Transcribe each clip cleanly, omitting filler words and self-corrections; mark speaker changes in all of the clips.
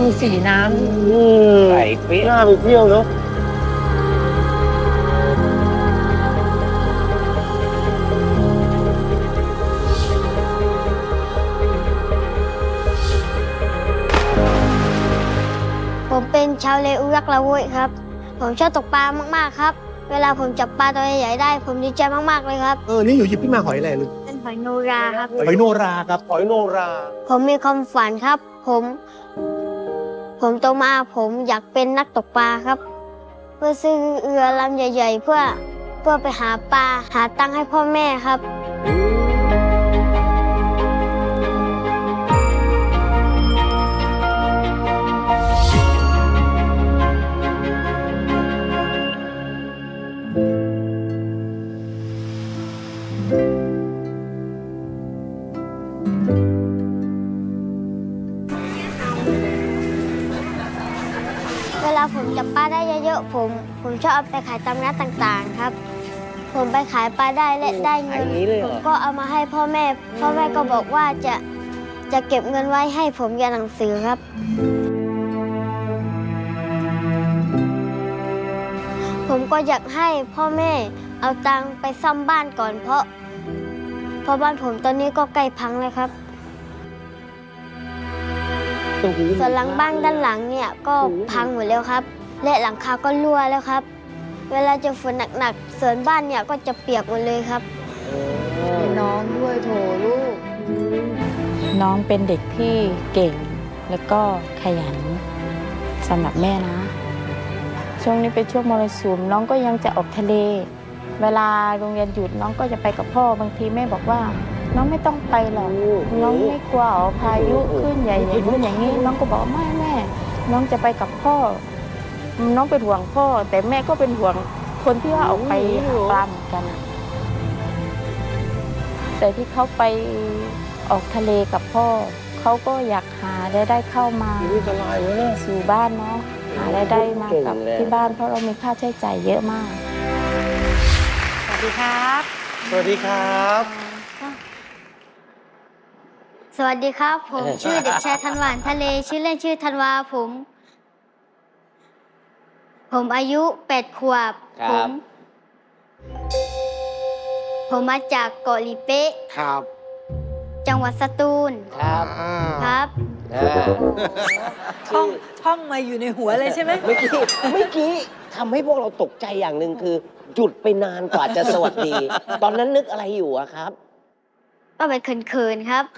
Speaker 1: สีน้
Speaker 2: ใส่เปี้ย
Speaker 3: น่าไปเที่ยวเนาะ
Speaker 4: ผมเป็นชาวเลอุรักละโวยครับ ผมชอบตกปลามากๆครับ เวลาผมจับปลาตัวใหญ่ๆได้ ผมดีใจมากๆเลยครับ
Speaker 3: นี่อยู่หยิบขึ้นมาหอยอะไรลูก
Speaker 4: เป็นหอยโนราครับ
Speaker 3: หอยโนราครับหอยโนรา
Speaker 4: ผมมีความฝันครับ ผมโตมาผมอยากเป็นนักตกปลาครับ เพื่อซื้อเรือลำใหญ่ๆเพื่อไปหาปลาหาตังค์ให้พ่อแม่ครับ เวลาผมจับปลาได้เยอะๆผมชอบเอาไปขายตามร้านต่างๆครับ ผมไปขายปลาได้และได้เงินผมก็เอามาให้พ่อแม่ก็บอกว่าจะเก็บเงินไว้ให้ผมเรียนหนังสือครับ ผมก็อยากให้พ่อแม่เอาตังค์ไปซ่อมบ้านก่อนเพราะบ้านผมตอนนี้ก็ใกล้พังเลยครับส่วนหลังบ้านด้านหลังเนี่ยก็พังหมดแล้วครับ และหลังคาก็รั่วแล้วครับ เวลาเจอฝนหนักๆส่วนบ้านเนี่ยก็จะเปียกหมดเลยครับ
Speaker 1: มีน้องด้วยโถลูก
Speaker 5: น้องเป็นเด็กที่เก่งแล้วก็ขยันสำหรับแม่นะ ช่วงนี้เป็นช่วงมรสุมน้องก็ยังจะออกทะเล เวลาโรงเรียนหยุดน้องก็จะไปกับพ่อบางทีแม่บอกว่า น้องไม่ต้องไปหรอกน้องไม่กลัวพายุขึ้นใหญ่อย่างนู้นอย่างนี้น้องก็บอกไม่แม่น้องจะไปกับพ่อ น้องเป็นห่วงพ่อ แต่แม่ก็เป็นห่วงคนที่ว่าออกไปหาปลาเหมือนกันอะแต่ที่เขาไปออกทะเลกับพ่อเขาก็อยากหารายได้เข้ามาสู่บ้านเนาะหารายได้มากับที่บ้านเพราะเรามีค่าใช้จ่ายเยอะมาก
Speaker 1: สวัสดีครับ
Speaker 3: สวัสดีครับ
Speaker 4: สวัสดีครับ ผมชื่อเด็กชายธันวาทะเลชื่อเล่นชื่อธันวาผมอายุ8 ขวบผมมาจากเกาะลีเป๊ะ
Speaker 3: ครับ
Speaker 4: จังหวัดสตูล
Speaker 2: ครับ
Speaker 4: ครับ
Speaker 1: ท่องมาอยู่ในหัวเลยใช่ไหม
Speaker 2: เมื่อกี้ทำให้พวกเราตกใจอย่างหนึ่งคือ หยุดไปนานกว่าจะสวัสดี ตอนนั้นนึกอะไรอยู่อะครับ
Speaker 4: ก็เป็นเขินๆครับ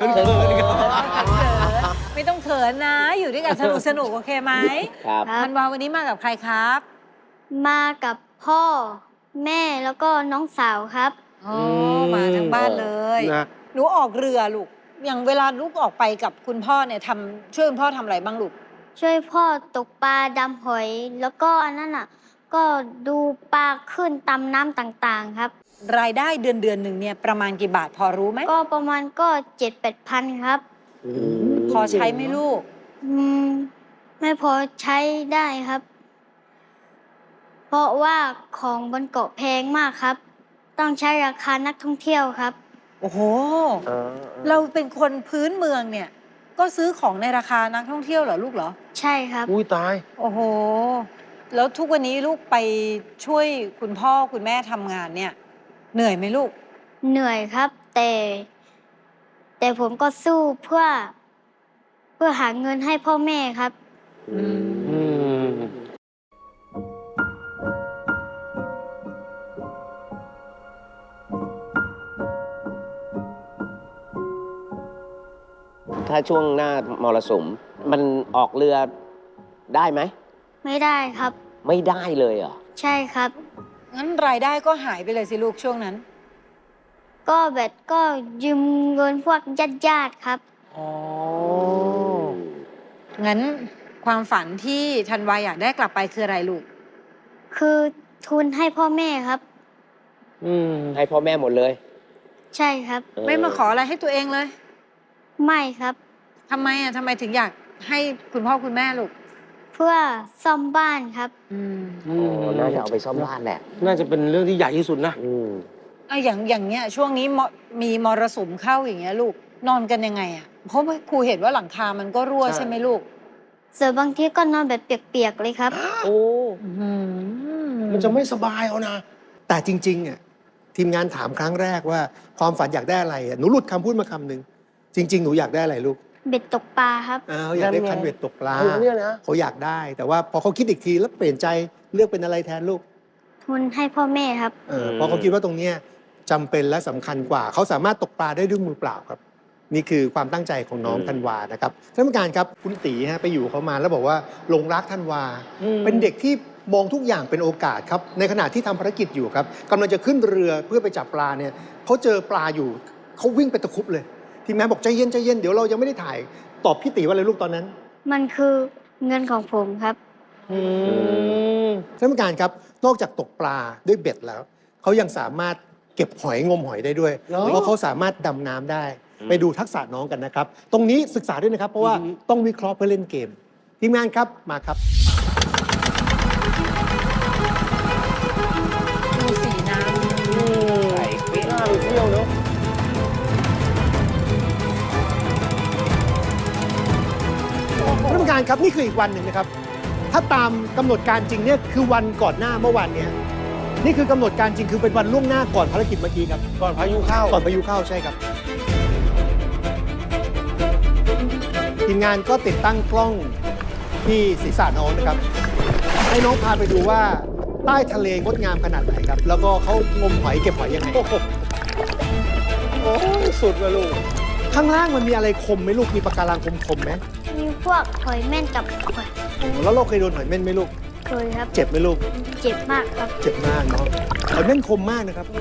Speaker 1: ไม่ต้องเขินนะ อยู่ด้วยกันสนุกโอเคไหม
Speaker 2: ครับ
Speaker 1: ธันวาวันนี้มากับใครครับ
Speaker 4: มากับพ่อแม่แล้วก็น้องสาวครับ
Speaker 1: อ๋อมาทั้งบ้านเลย
Speaker 3: นะ
Speaker 1: หนูออกเรือลูก อย่างเวลาลูกออกไปกับคุณพ่อเนี่ยช่วยคุณพ่อทำอะไรบ้างลูก
Speaker 4: ช่วยพ่อตกปลาดำหอย แล้วก็อันนั้นอ่ะ ก็ดูปลาขึ้นตามน้ำต่างๆครับ
Speaker 1: รายได้เดือนหนึ่งเนี่ยประมาณกี่บาทพอรู้ไหม
Speaker 4: ก็ประมาณก็7-8 พันครับ
Speaker 1: พอใช้ไหมลูก
Speaker 4: อืมไม่พอใช้ได้ครับ เพราะว่าของบนเกาะแพงมากครับ ต้องใช้ราคานักท่องเที่ยวครับ
Speaker 1: โอ้โห เราเป็นคนพื้นเมืองเนี่ย ก็ซื้อของในราคานักท่องเที่ยวเหรอลูกเหรอ
Speaker 4: ใช่ครับ
Speaker 3: อุ้ยตาย
Speaker 1: โอ้โห แล้วทุกวันนี้ลูกไปช่วยคุณพ่อคุณแม่ทำงานเนี่ย เหนื่อยไหมลูก
Speaker 4: เหนื่อยครับ แต่ผมก็สู้เพื่อหาเงินให้พ่อแม่ครับ
Speaker 2: ถ้าช่วงหน้ามรสุมมันออกเรือได้ไหม
Speaker 4: ไม่ได้ครับ
Speaker 2: ไม่ได้เลยเหรอ
Speaker 4: ใช่ครับ
Speaker 1: งั้นรายได้ก็หายไปเลยสิลูกช่วงนั้น
Speaker 4: ก็แบบก็ยืมเงินพวกญาติๆครับ
Speaker 1: อ๋อ งั้นความฝันที่ธันวาอยากได้กลับไปคืออะไรลูก
Speaker 4: คือทุนให้พ่อแม่ครับ
Speaker 2: ให้พ่อแม่หมดเลย
Speaker 4: ใช่ครับ
Speaker 1: ไม่มาขออะไรให้ตัวเองเลย
Speaker 4: ไม่ครับ
Speaker 1: ทำไมถึงอยากให้คุณพ่อคุณแม่ลูก
Speaker 4: เพื่อซ่อมบ้านครับ
Speaker 2: น่าจะเอาไปซ่อมบ้านแหละ
Speaker 3: น่าจะเป็นเรื่องที่ใหญ่ที่สุดนะ
Speaker 1: อย่างเงี้ยช่วงนี้มีมรสุมเข้าอย่างเงี้ยลูกนอนกันยังไงอ่ะเพราะว่าครูเห็นว่าหลังคามันก็รั่ว
Speaker 3: ใช่
Speaker 1: ใช่ไหมลูก
Speaker 4: ส่วนบางทีก็นอนแบบเปียกๆเลยครับ
Speaker 2: โอ้
Speaker 3: มันจะไม่สบายเอานะ แต่จริงๆอ่ะทีมงานถามครั้งแรกว่าความฝันอยากได้อะไรอ่ะหนูหลุดคำพูดมาคำหนึ่งจริง ๆ หนูอยากได้อะไรลูก
Speaker 4: เบ็ดตกปลาครับ
Speaker 3: อยากได้คันเบ็ดตกปลา
Speaker 2: เนี่ยนะ
Speaker 3: เขาอยากได้ แต่ว่าพอเขาคิดอีกทีแล้วเปลี่ยนใจเลือกเป็นอะไรแทนลูก
Speaker 4: ทุนให้พ่อแม่ครับ
Speaker 3: เพราะเขาคิดว่าตรงเนี้ยจำเป็นและสำคัญกว่า เขาสามารถตกปลาได้ด้วยมือเปล่าครับ นี่คือความตั้งใจของน้องธันวานะครับท่านผู้การครับคุณตีฮะไปอยู่เขามาแล้วบอกว่าหลงรักธันวา เป็นเด็กที่มองทุกอย่างเป็นโอกาสครับในขณะที่ทำภารกิจอยู่ครับกำลังจะขึ้นเรือเพื่อไปจับปลาเนี่ยเขาเจอปลาอยู่เขาวิ่งไปตะครุบเลยทีมงานบอกใจเย็นใจเย็นเดี๋ยวเรายังไม่ได้ถ่ายตอบพี่ตีว่าอะไรลูกตอนนั้น
Speaker 4: มันคือเงินของผมครับ
Speaker 3: ท่านผู้การครับนอกจากตกปลาด้วยเบ็ดแล้วเขายังสามารถเก็บหอยงมหอยได้ด้วยเพราะเขาสามารถดำน้ำได้ ไปดูทักษะน้องกันนะครับ ตรงนี้ศึกษาด้วยนะครับ เพราะว่าต้องวิเคราะห์เพื่อเล่นเกมทีมงานครับมาครับ
Speaker 1: ดูสีน้
Speaker 2: ใส่เปี้ยไปเที่ยวเนาะ
Speaker 3: ท่านผู้การครับนี่คืออีกวันหนึ่งนะครับ ถ้าตามกำหนดการจริงเนี่ยคือวันก่อนหน้าเมื่อวานเนี้ยนี่คือกำหนดการจริงคือเป็นวันล่วงหน้าก่อนภารกิจเมื่อกี้ครับ
Speaker 2: ก่อนพายุเข้า
Speaker 3: ก่อนพายุเข้าใช่ครับ ทีมงานก็ติดตั้งกล้องที่ศีรษะน้องนะครับ ให้น้องพาไปดูว่าใต้ทะเลงดงามขนาดไหนครับ แล้วก็เขางมหอยเก็บหอยยังไง
Speaker 2: โอ้ยสุดเลยลูก
Speaker 3: ข้างล่างมันมีอะไรคมไหมลูก มีปะการังคมๆไหม
Speaker 4: มีพวกหอยแม่นกับหอย
Speaker 3: แล้วเราเคยโดนหอยเม่นไหมลูก
Speaker 4: เคยครับ
Speaker 3: เจ็บไหมลูก
Speaker 4: เจ็บมากครับ
Speaker 3: เจ็บมากเนาะหอยเม่นคมมากนะครับ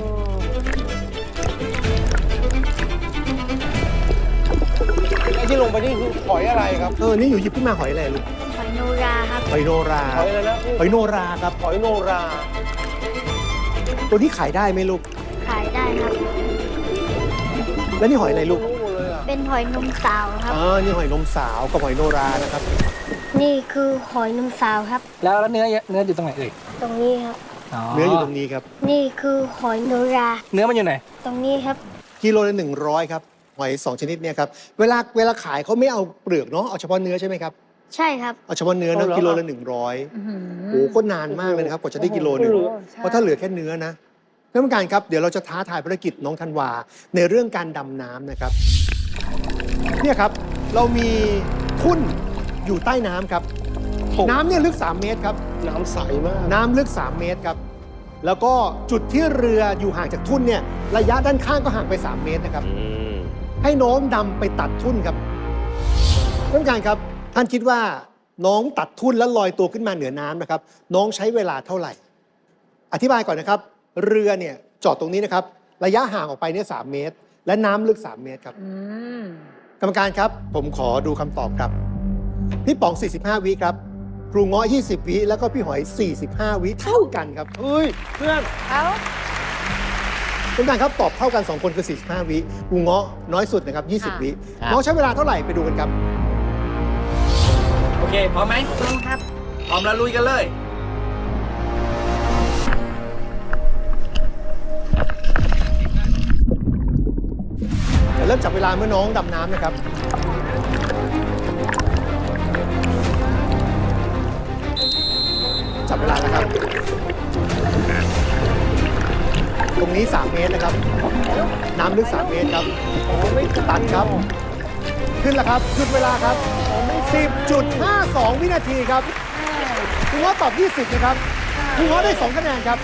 Speaker 2: ไอ้ที่ลงไปนี่คือหอยอะไรครับ
Speaker 3: นี่อยู่หยิบขึ้นมาหอยอะไรลูก
Speaker 4: หอยโนราครับ
Speaker 3: หอยโนรา
Speaker 2: หอยอะไรนะ
Speaker 3: หอยโนราครับ
Speaker 2: หอยโนรา
Speaker 3: ตัวนี้ขายได้ไหมลูก
Speaker 4: ขายได้ครับ
Speaker 3: แล้วนี่หอยอะไรลูก
Speaker 2: รู้หมดเลยอ่ะ
Speaker 4: เป็นหอยนมสาวครับ
Speaker 3: นี่หอยนมสาวกับหอยโนรานะครับ
Speaker 4: นี่คือหอยนมสาวครับ
Speaker 6: แล้วเนื้ออยู่ตรงไหนเอ่ย
Speaker 4: ตรงนี้ครับ
Speaker 3: เนื้ออยู่ตรงนี้ครับ
Speaker 4: นี่คือหอยโนรา
Speaker 6: เนื้อมันอยู่ไหน
Speaker 4: ตรงนี้ครับ
Speaker 3: กิโลละ100ครับหอย2ชนิดเนี่ยครับเวลาขายเขาไม่เอาเปลือกเนาะเอาเฉพาะเนื้อใช่ไหมครับ
Speaker 4: ใช่ครับ
Speaker 3: เอาเฉพาะเนื้อนะกิโลละ100
Speaker 1: ำ
Speaker 3: โอ้ก็นานมากเลยนะครับกว่าจะได้กิโลหนึงเพราะถ้าเหลือแค่เนื้อนะท่านผู้การครับเดี๋ยวเราจะท้าทายภารกิจน้องธันวาในเรื่องการดำน้ำนะครับเนี่ยครับเรามีทุ่นอยู่ใต้น้ำครับน้ำเนี่ยลึก3 เมตรครับ
Speaker 2: น้ำใสมาก
Speaker 3: น้ำลึก3 เมตรครับแล้วก็จุดที่เรืออยู่ห่างจากทุ่นเนี่ยระยะด้านข้างก็ห่างไป3 เมตรนะครับให้น้องดำไปตัดทุ่นครับท่านผู้การครับท่านคิดว่าน้องตัดทุ่นแล้วลอยตัวขึ้นมาเหนือน้ำนะครับน้องใช้เวลาเท่าไหร่ อธิบายก่อนนะครับ เรือเนี่ยจอดตรงนี้นะครับระยะห่างออกไปเนี่ย3 เมตร และน้ำลึก3 เมตรครับกรรมการครับผมขอดูคำตอบครับพี่ป๋อง45 วิครับครูเงาะ20 วิแล้วก็พี่หอย45 วิเท่ากันครับ
Speaker 2: เฮ้ย เพื่อน
Speaker 1: เอ้าก
Speaker 3: รรมการครับตอบเท่ากัน2 คนคือ45 วิครูเงาะน้อยสุดนะครับ20 วิ
Speaker 2: ครับ
Speaker 3: น้องใช้เวลาเท่าไหร่ไปดูกันครับ
Speaker 6: โอเค พร้อมไหม
Speaker 4: พร้อมครับ
Speaker 6: พร้อมแล้วลุยกันเลย
Speaker 3: จะเริ่มจับเวลาเมื่อน้องดำน้ำนะครับ จับเวลานะครับ ตรงนี้ 3 เมตรนะครับ น้ำลึก 3 เมตรครับตัดครับ ขึ้นแล้วครับหยุดเวลาครับ 10.52 วินาทีครับคุณว่าตอบ 20 นะครับคุณว่าได้ 2 คะแนนครับ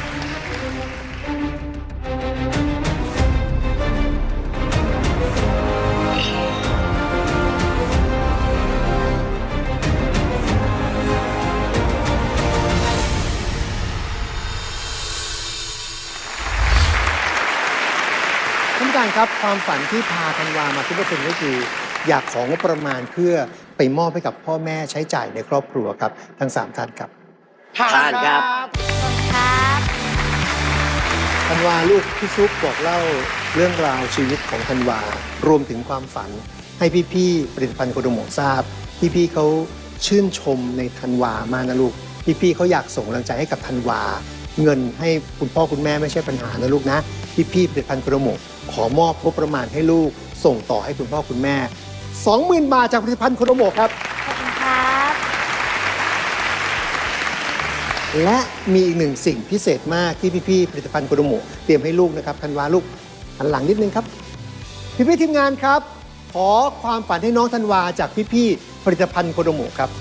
Speaker 3: ท่านผู้การครับความฝันที่พาธันวามาซุปเปอร์เทนก็คือ อยากของบประมาณเพื่อไปมอบให้กับพ่อแม่ใช้จ่ายในครอบครัวครับทั้ง3 ท่านครับ
Speaker 2: ผ่านครับ
Speaker 4: ครับ
Speaker 3: ธันวาลูกพี่ซุปบอกเล่าเรื่องราวชีวิตของธันวารวมถึงความฝันให้พี่ๆผลิตภัณฑ์โคโดโมะทราบพี่ๆเขาชื่นชมในธันวามากนะลูกพี่ๆเขาอยากส่งกำลังใจให้กับธันวาเงินให้คุณพ่อคุณแม่ไม่ใช่ปัญหานะลูกนะพี่ๆผลิตภัณฑ์โคโดโมะขอมอบงบประมาณให้ลูกส่งต่อให้คุณพ่อคุณแม่ 20,000 บาทจากผลิตภัณฑ์โคโดโมะครับ
Speaker 4: ขอบคุณครับ
Speaker 3: และมีอีกหนึ่งสิ่งพิเศษมากที่พี่ๆผลิตภัณฑ์โคโดโมะเตรียมให้ลูกนะครับธันวาลูกหันหลังนิดนึงครับพี่ๆทีมงานครับขอความฝันให้น้องธันวาจากพี่ๆผลิตภัณฑ์โคโดโมะครับ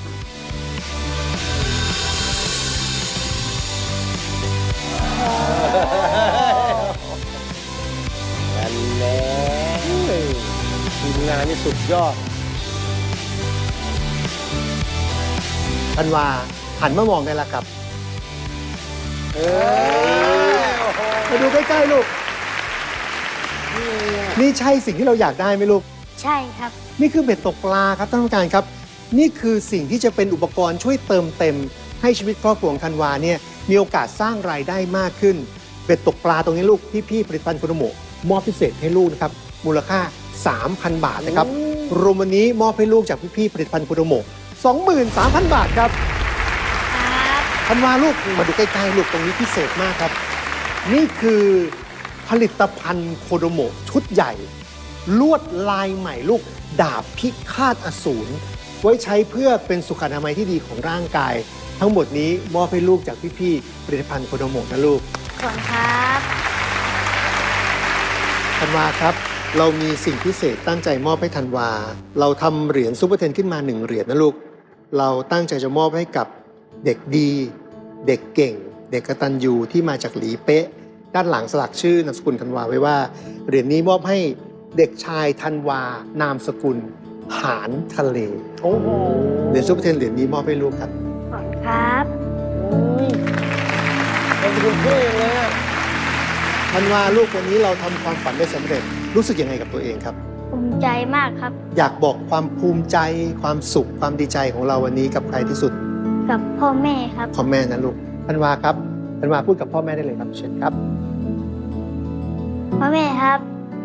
Speaker 2: นั่นแหละทีมงานนี่สุดยอด
Speaker 3: ธันวาหันมามองได้แล้วครับมาดูใกล้ๆลูกนี่ใช่สิ่งที่เราอยากได้ไหมลูก
Speaker 4: ใช่ครับ
Speaker 3: นี่คือเบ็ดตกปลาครับท่านผู้การครับนี่คือสิ่งที่จะเป็นอุปกรณ์ช่วยเติมเต็มให้ชีวิตครอบครัวของธันวาเนี่ยมีโอกาสสร้างรายได้มากขึ้นเบ็ดตกปลาตรงนี้ลูกพี่ๆผลิตภัณฑ์โคโดโมะมอบพิเศษให้ลูกนะครับมูลค่า 3,000 บาทนะครับรวมวันนี้มอบให้ลูกจากพี่ๆผลิตภัณฑ์โคโดโมะ 23,000 บาทครับธันวาลูกมาดูใกล้ๆลูกตรงนี้พิเศษมากครับนี่คือผลิตภัณฑ์โคโดโมะชุดใหญ่ลวดลายใหม่ลูกดาบพิฆาตอสูรไว้ใช้เพื่อเป็นสุขอนามัยที่ดีของร่างกาย ทั้งหมดนี้มอบให้ลูกจากพี่ๆผลิตภัณฑ์โคโดโมะนะลูก
Speaker 4: ขอบคุณครับ
Speaker 3: ธันวาครับเรามีสิ่งพิเศษตั้งใจมอบให้ธันวาเราทำเหรียญซุปเปอร์เทนขึ้นมา1 เหรียญนะลูกเราตั้งใจจะมอบให้กับเด็กดี เด็กเก่ง เด็กกตัญญูที่มาจากหลีเป๊ะด้านหลังสลักชื่อนามสกุลธันวาไว้ว่าเหรียญนี้มอบให้เด็กชายธันวานามสกุลหานทะเลโอ้โหเหรียญซุปเปอร์เทนเหรียญนี้มอบให้ลูกครับ
Speaker 4: ขอบคุณครับ
Speaker 2: เป็นคุณเพื่อนเลยอะ
Speaker 3: ธันวาลูกวันนี้เราทำความฝันได้สำเร็จรู้สึกยังไงกับตัวเองครับ
Speaker 4: ภูมิใจมากครับ
Speaker 3: อยากบอกความภูมิใจความสุขความดีใจของเราวันนี้กับใครที่สุด
Speaker 4: กับพ่อแม่ครับ
Speaker 3: พ่อแม่นะลูกธันวาครับธันวาพูดกับพ่อแม่ได้เลยครับเชิญครับ
Speaker 4: พ่อแม่ครับ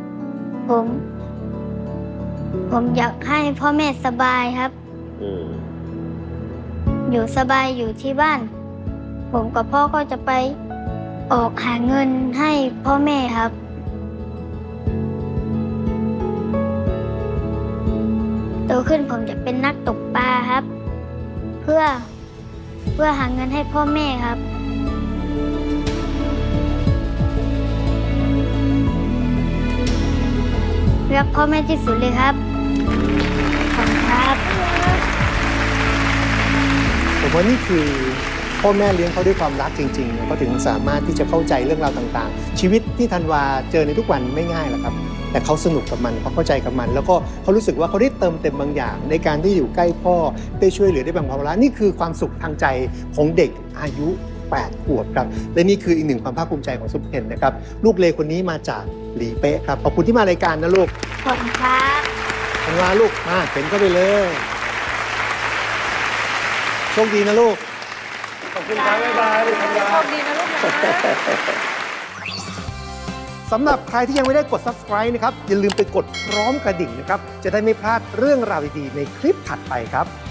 Speaker 4: ผมอยากให้พ่อแม่สบายครับ อยู่สบายอยู่ที่บ้าน ผมกับพ่อก็จะไปออกหาเงินให้พ่อแม่ครับโตขึ้นผมจะเป็นนักตกปลาครับ เพื่อหาเงินให้พ่อแม่ครับรักพ่อแม่ที่สุดเลยครับขอบคุณครับ
Speaker 3: ผมว่านี่คือพ่อแม่เลี้ยงเขาด้วยความรักจริงๆเขาถึงสามารถที่จะเข้าใจเรื่องราวต่างๆ ชีวิตที่ธันวาเจอในทุกวันไม่ง่ายหรอกครับแต่เขาสนุกกับมันเขาเข้าใจกับมัน แล้วก็เขารู้สึกว่าเขาได้เติมเต็มบางอย่าง ในการที่อยู่ใกล้พ่อได้ช่วยเหลือได้แบ่งเบาภาระนี่คือความสุขทางใจของเด็กอายุ8 ขวบครับและนี่คืออีกหนึ่งความภาคภูมิใจของซุปเปอร์เทนนะครับลูกเลคนนี้มาจากหลีเป๊ะครับขอบคุณที่มารายการนะลูก
Speaker 4: ขอบคุณครับ
Speaker 3: ธันวาลูกมาเข็นเข้าไปเลยโชคดีนะลูก
Speaker 2: ขอบคุณครับบ๊ายบายลูกธันวา
Speaker 1: โชคดีนะลูกนะ
Speaker 3: สำหรับใครที่ยังไม่ได้กด subscribe นะครับอย่าลืมไปกดพร้อมกระดิ่งนะครับจะได้ไม่พลาดเรื่องราวดีๆในคลิปถัดไปครับ